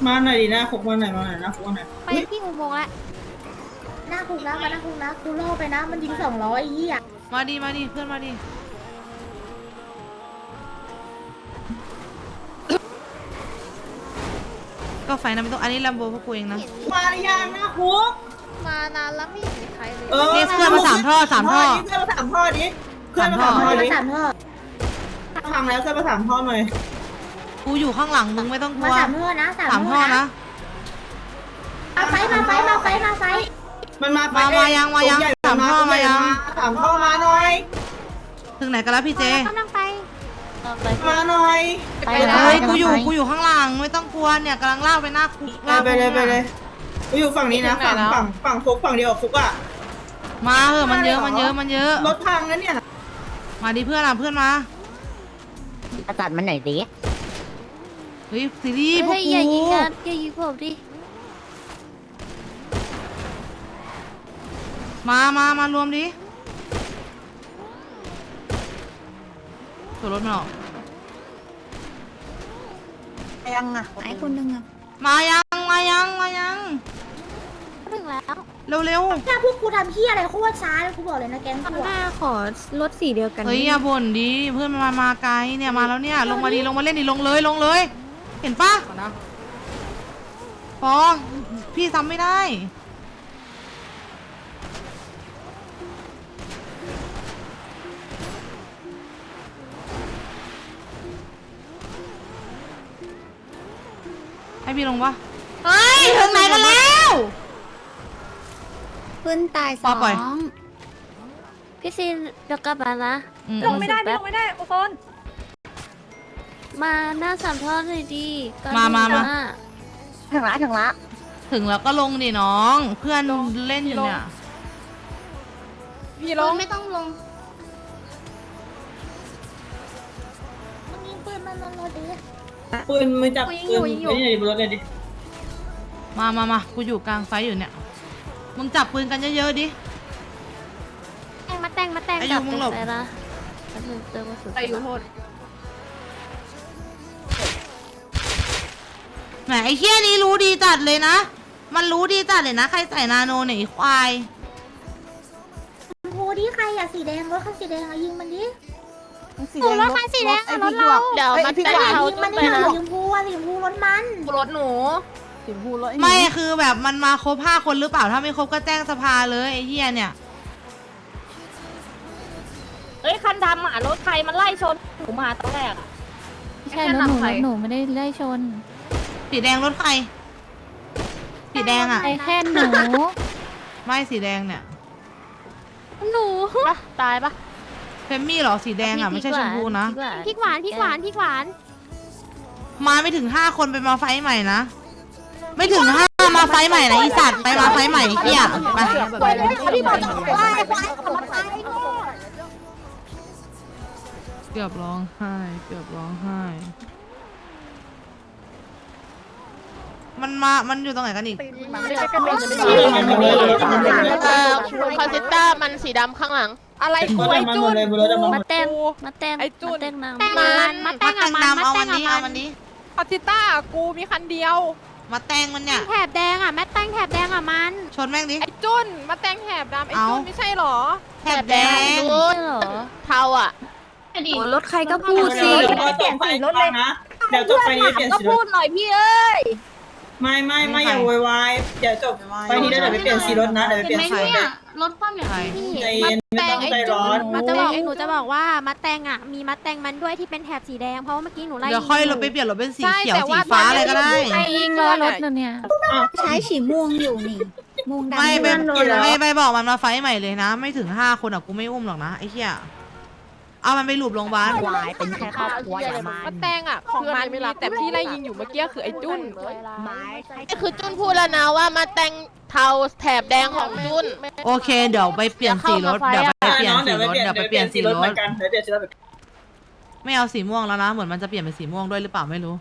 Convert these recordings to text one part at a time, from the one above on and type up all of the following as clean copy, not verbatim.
มาหน่อยดิหน้าคุกมาหน่อยหน้าคุกมาหน่อยไปที่อุโมงค์ละหน้าคุกนะมาหน้าคุกนะกูโล่ไปนะมันยิง200อีอ่ะมาดิเพื่อนมาดิก็ไฟนะไม่ต้องอันนี้ลัมโบพวกกูเองนะมาหรือยังหน้าคุกมานานแล้วไม่เห็นใครเลยเรียกเพื่อนมา3 ท่อเพื่อนมา3 ท่อดิเพื่อนมา3 ท่อดิฟังแล้วเพื่อนมา3 ท่อหน่อยกูอยู่ข้างหลังมึงไม่ต้องกลัวมา3 ท่อนะ 3 ท่อนะมาไฟมันมายัง3 ท่อมายัง 3 ท่อมาหน่อยถึงไหนกันแล้วพี่เจกำลังไปมาหน่อยเฮ้ยกูอยู่ข้างหลังไม่ต้องกลัวเนี่ยกำลังลากไปหน้าคุกไปเลยกูอยู่ฝั่งนี้นะฝั่งคุกฝั่งเดียวกับคุกอ่ะมาเหอะมันเยอะรถพังแล้วเนี่ยมาดิเพื่อนเพื่อนมาจัดมันไหนดิเฮ้ยซีรีส์พวกกูอย่ายิงผมดิมารวมดิตัวรถมันออกยังอ่ะไอ้คนนึงอ่ะมายังถึงแล้วเร็วถ้าพวกกูทำเฮียอะไรโคตรช้าเลยกูบอกเลยนะแกงกูขอรถสีเดียวกันเฮ้ยอย่าบ่นดิเพื่อนมาไกลเนี่ยมาแล้วเนี่ยลงมาเล่นดิลงเลยเห็นปะฟองพี่ซ้ำไม่ได้ให้พี่ลงปะเฮ้ยถึงไหนกันแล้วขึ้นตาย 2พี่ซีนเดี๋ยวกลับมานะลงไม่ได้โอโซนมาหน้า3 ท่อเลยดิมาถึงละถึงแล้วก็ลงดิน้องเพื่อนเล่นอยู่เนี่ยพี่ลงไม่ต้องลงมึงยิงปืนมันลงดิปืนมือจับปืนไม่ได้บนรถเลยดิมากูอยู่กลางไฟอยู่เนี่ยมึงจับปืนกันเยอะๆดิมาแต่งไอ้ยูมึงหลบไอ้ยูโทษแหมไอ้เหี้ยนี้รู้ดีจัดเลยนะมันรู้ดีจัดเลยนะใครใส่นาโนเนี่ยควายโหดิใครอะสีแดงรถคันสีแดงยิงมันดิรถคันสีแดงรถเราเดี๋ยวมาแต่งเขามันนี่สีชมพูรถมันรถหนูไม่คือแบบมันมาครบ5 คนหรือเปล่าถ้าไม่ครบก็แจ้งสภาเลยไอ้เหี้ยเนี่ยเฮ้ยคันดำอ่ะรถใครมันไล่ชนหนูมาตอนแรกอ่ะใช่รถหนูไม่ได้ไล่ชนสีแดงรถใครสีแดงอ่ะแค่หนูไม่สีแดงเนี่ยหนูตายปะเฟมมี่หรอสีแดงอ่ะไม่ใช่ชมพูนะพริกหวานมาไม่ถึง5 คนไปมาไฟใหม่นะไม่ถึง5มาไฟใหม่นะอีสัตว์ไปมาไฟใหม่เหี้ยไปเกือบร้องไห้มันอยู่ตรงไหนกันอีกคอนเซต้ามันสีดำข้างหลังอะไรกูไอจุนมาเต้นไอจุนมาแต่งดำเอาวันนี้คอนเซต้ากูมีคันเดียวมาแต่งมันเนี่ยแถบแดงอ่ะแม่แต่งแถบแดงอ่ะมันชนแม่งดิไอจุนมาแต่งแถบดำไอจุนไม่ใช่หรอแถบแดงเทาอ่ะรถใครก็พูดสิเปลี่ยนสีรถเลยนะเดี๋ยวจบไปนี้เปลี่ยนสีรถพูดหน่อยพี่เอ้ยไม่อย่าโวยวายเดี๋ยวจบไปนี้เดี๋ยวไปเปลี่ยนสีรถนะเดี๋ยวไปเปลี่ยนสีรถรถความอย่างนี้ใจเย็นไม่ต้องใจร้อนหนูจะบอกว่ามัดแตงอ่ะมีมัดแตงมันด้วยที่เป็นแถบสีแดงเพราะว่าเมื่อกี้หนูไล่เดี๋ยวค่อยเราไปเปลี่ยนรถเป็นสีเขียวสีฟ้าอะไรก็ได้ยิงรถเนี่ยใช้สีม่วงอยู่นี่ม่วงดำไม่ไปบอกมันมาไฟใหม่เลยนะไม่ถึง5 คนอ่ะกูไม่อุ้มหรอกนะไอ้เหี้ยเอามันไปหลูบโรงพยาบาลเป็นแค่ครอบครัวอย่ามาแตงอ่ะของมันมีแต่พี่ไล่ยิงอยู่เมื่อกี้คือไอ้จุนนี่คือจุนพูดแล้วนะว่ามาแตงเทาแถบแดงของจุนโอเคเดี๋ยวไปเปลี่ยนสีรถเดี๋ยวไปเปลี่ยนสีรถไม่เอาสีม่วงแล้วนะเหมือนมันจะเปลี่ยนเป็นสีม่วงด้วยหรือเปล่าไม่รู้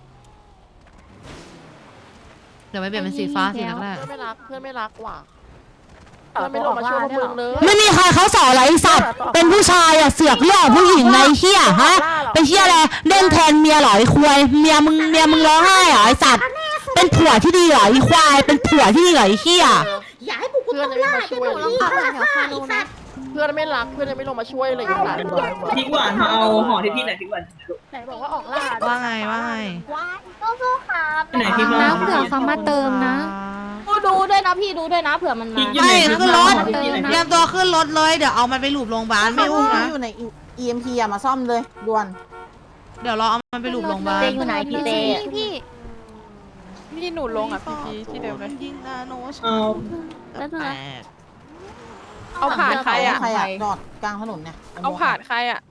เดี๋ยวไปเปลี่ยนเป็นสีฟ้าสีแรกเพื่อนไม่รักว่ะไม่ลงมาช่วยพวกมึงเลยไม่มีใครเขาสอนอะไรสัตว์เป็นผู้ชายอะเสือกเรื่องผู้หญิงในเหี้ยฮะเป็นเหี้ยอะไรเล่นแทนเมียหรอไอ้ควายเมียมึงร้องไห้เหรอไอ้สัตว์เป็นผัวที่ดีเหรอไอ้ควายเป็นผัวที่ดีเหรอไอ้เหี้ยอย่าให้พวกกูต้องล่าจะหนูนี่ค่ะไอ้สัตว์เพื่อนไม่รักเพื่อนยังไม่ลงมาช่วยเลยอีสัตว์พริกหวานมาเอาห่อที่พี่หน่อยพริกหวานไหนบอกว่าออกล่าว่าไงว่าไงสู้ๆครับไหนพริกหวานแล้วเผื่อเขามาเติมนะดูด้วยนะพี่ดูด้วยนะเผื่อมันพริมากอยู่ไหนไม่ขึ้นรถพริกอยู่ไหนเตรียมตัวขึ้นรถเลยเดี๋ยวเอามันไปหลูบโรงพยาบาลไม่อุ้มนะอยู่ใน EMP อะมาซ่อมเลยด่วนเดี๋ยวเราเอามันไปหลูบโรงพยาบาลอยู่ไหนพี่เต้พี่พี่หนูลงอ่ะพี่ที่เดิมเลยยิงนาโนชเอาแตกเอาผ่านใครอ่ะใครอะจอดกลางถนนเนี่ยเอาผ่านใครอ่ะ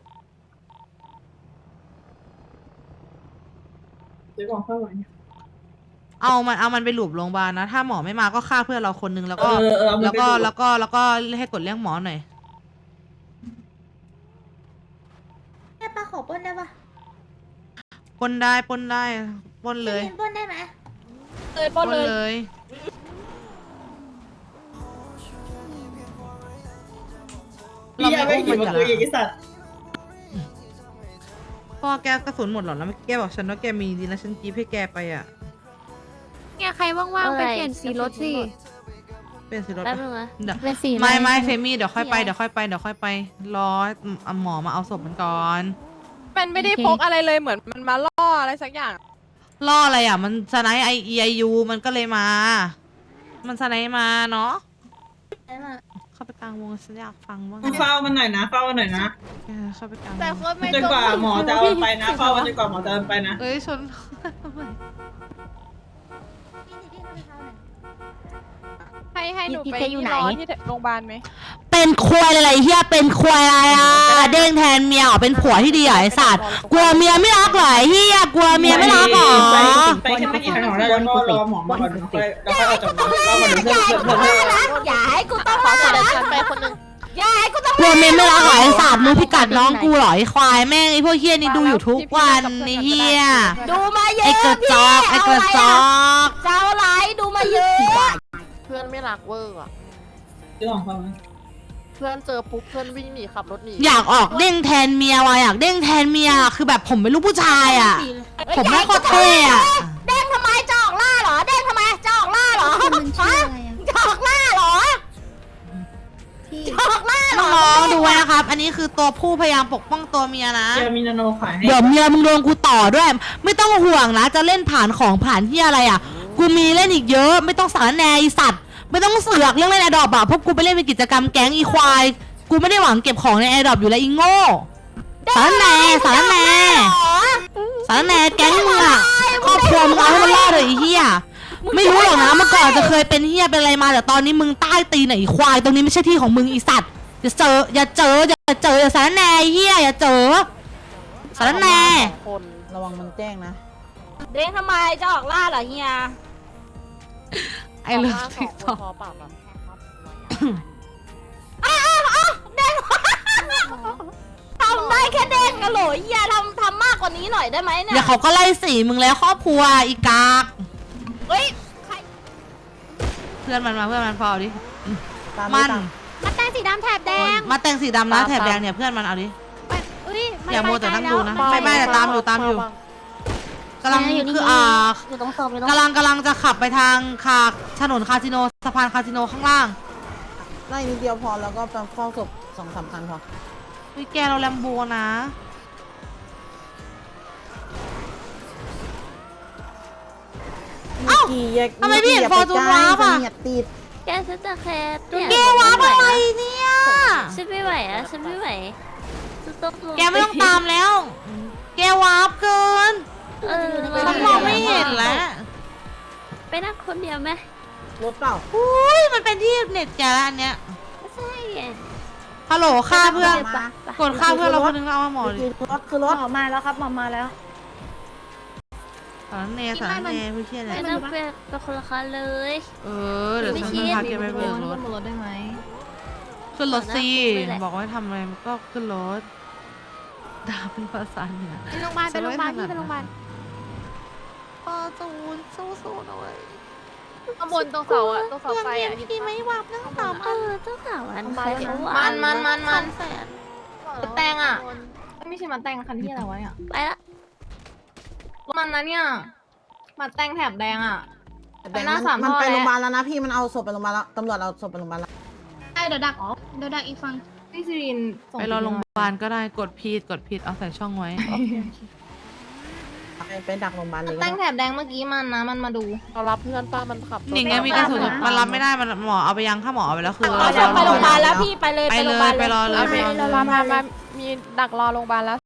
ซื้อของข้าวหวานเอามันไปหลูบโรงพยาบาลนะ ถ้าหมอไม่มาก็ฆ่าเพื่อนเราคนนึงแล้วก็เอามันแล้วไปก็ดูแล้วก็ให้กดเรียกหมอหน่อยแม่ป้าขอปล้นได้ปะปล้นได้ปล้นได้ปล้นเลยปล้นได้ไหมปล้นเลยพี่ยังไม่กินมาคุยอีกสัตว์พ่อแกกระสุนหมดหรอแล้วแกบอกฉันว่าแกมีดีนะฉันจีบให้แกไปอ่ะเนี่ยใครว่างๆไปเปลี่ยนสีรถสิเป็นสิรถแป๊บนึงนะเดี๋ยวเป็นสีอะรไม่เฟมี่เดี๋ยวค่อยไปเดี๋ยวค่อยไปรอเอาหมอมาเอาศพมันก่อนมันไม่ได้พกอะไรเลยเหมือนมันมาล่ออะไรสักอย่างล่ออะไรอ่ะมันสไนไอไอยูมันก็เลยมา มันสไนมาเนาะเข้าไปกลางวงฉันอยากฟังบ้างเฝ้ามันหน่อยนะเฝ้ามันหน่อยนะเข้าไปกลางวแต่งคนไม่จนกว่าหมอจะเอาไปนะเฝ้ามันจนกว่าหมอจะเอาไปนะเอ้ยชนให้หนูไปที่รอที่โรงพยาบาลไหมเป็นควายอะไรเฮียเป็นควายอะไรอ่ะเด้งแทนเมียเหรอเป็นผัวที่ดีเหรอไอสัตว์กลัวเมียไม่รักเหรอไอ้เฮียกลัวเมียไม่รักเหรอไปแค่ไม่กี่ทางหรอกแล้วก็รอหมอมาก่อนแล้วค่อยออกจากบ้านเพื่อนอย่าให้กูต้องขอล่าเสนอนะฉันไปคนหนึงอย่าให้กูต้องกลัวเมียไม่รักเหรอไอสัตว์มึงพิกัดน้องกูเหรอไอควายแม่งไอพวกเฮียนี่ดูอยู่ทุกวันไอเฮียดูมาเยไออะกระจอกไอกระจอกเจ้าไรดูมาเยอะเพื่อนไม่รักเวอร์อ่ะซื้อของเขาไหมเพื่อนเจอปุ๊บเพื่อนวิ่งหนีขับรถหนีอยากออกเด้งแทนเมียว่ะอยากเด้งแทนเมียคือแบบผมเป็นลูกผู้ชายอ่ะ ผมไม่โคตรเท่อะเด้งทำไมจะออกล่าเหรอเด้งทำไมจะออกล่าเหรอฮะจะออกล่าเหรอจะออกล่าเหรน้อองๆดูไว้นะครับ อันนี้คือตัวผู้พยายามปกป้องตัวเมียนะเจอมีนาโนขายให้เดี๋ยวเมียมึงโดนกูต่อด้วย ไม่ต้องห่วงนะ จะเล่นผ่านของผ่านที่อะไรอ่ะ กูมีเล่นอีกเยอะ ไม่ต้องสารแหนไอสัตว์ ไม่ต้องเสือกเรื่องเล่นแอร์ดรอปอะเพราะกูไปเล่นเป็นกิจกรรมแก๊งอีควาย กูไม่ได้หวังเก็บของในแอร์ดรอปอยู่แล้วอีโง่ สารแหนสารแหนสารแหนแก๊งมึงอะครอบครัวมึงเอาให้มันรอดเลยไอ้เหี้ย ไม่รู้หรอกนะเมื่อก่อนจะเคยเป็นเหี้ยเป็นอะไรมาแต่ตอนนี้มึงใต้ตีนไหนควายตรงนี้ไม่ใช่ที่ของมึงอีสัตว์อย่าเจออย่าสารแหนไอ้เหี้ยอย่าเจอสารแหนคนระวังมันแจ้งนะเด้งทำไมจะออกล่าเหรอเฮียไอ้เรื่องสติ๊อก งต็อกพอปรับอ่ะเด้งทำได้แค่เด้งกันเหรอเฮียทำมากกว่านี้หน่อยได้ไหมเนี่ยเดี๋ยวเขาก็ไล่สีมึงแล้วครอบครัวอีกากเฮ้ยใครเพื่อนมันมาเพื่อนมันพอเอาดิตามมันตามมาแต่งสีดำแถบแดงมาแต่งสีดำนะแถบแดงเนี่ยเพื่อนมันเอาดิไปอุ้ยนอย่ามัวแต่นั่งดูนะไปไม่แต่ตามอยู่กำลังคืออยู่ตรงศพอยู่ตรงกำลังจะขับไปทางถนนคาสิโนสะพานคาสิโนข้างล่างไล่นิดเดียวพอแล้วก็ไปเฝ้าศพ2-3 คันพอวิแกเราแลมโบนะกี่แยกทำไมพี่เห็นฟอร์จูนวาร์ปอะเหยียดติดแกฉันจะแคร์แกว้าบอะไรเนี่ยฉันไม่ไหวอะฉันไม่ไหวฉันต้องลงแกไม่ต้องตามแล้ว แกวาร์ปเกิน ฉันมองไม่เห็นแล้วไปนั่งคนเดียวไหมรถเปล่าอุ้ยมันเป็นที่เน็ตแกแล้วอันเนี้ยไม่ใช่ไงฮัลโหลฆ่าเพื่อนไปกดฆ่าเพื่อนเราคนนึงแล้วเอามาหมอดิคือรถหมอมาแล้วครับหมอมาแล้วสารเนสารเนผู้เชี่ยไปเนี่ยนั่งเป็นคนละคันเลยเดี๋ยวฉันจะพาแกไปเบิกรถรถได้ไหมขึ้นรถสินี่แหละบอกว่าให้ทำอะไรมันก็ขึ้นรถด่าเป็นภาษาเหนือไปโรงพยาบาลไปโรงพยาบาลพี่ไปโรงพยาบาลปอจูนสู้ๆหน่อยข้างบนตรงเสาอ่ะตรงเสาไฟอ่ะพี่ไม่วับนั่งตามเจ้าข่าวอันใครเขาว่ามันแตงอ่ะไม่ใช่มาแต่งคันที่อะไรวะเนี่ยไปละมันนะเนี่ย มาแต่งแถบแดงอ่ะแต่มันไปโรงพยาบาลแล้วนะพี่มันเอาศพไปโรงพยาบาลแล้วตำรวจเอาศพไปโรงพยาบาลแล้วเดี๋ยวดักอีกฝั่งพี่ซีรินส่งไปรอโรงพยาบาลก็ได้กดผิดเอาใส่ช่องไว้ไปดักโรงพยาบาลเลยก็ตั้งได้แถบแดงเมื่อกี้มันนะมันมาดูเรารับเพื่อนป้ามันขับรถนี่ไงมีกระสุนมันรับไม่ได้มันหมอเอาไปยังถ้าหมอเอาไปแล้วคือไปโรงพยาบาลแล้วพี่ไปเลยไปไปเลโรงพยาบาย ลไปรอเลยมามีดักรอโรงพยาบาลแล้ว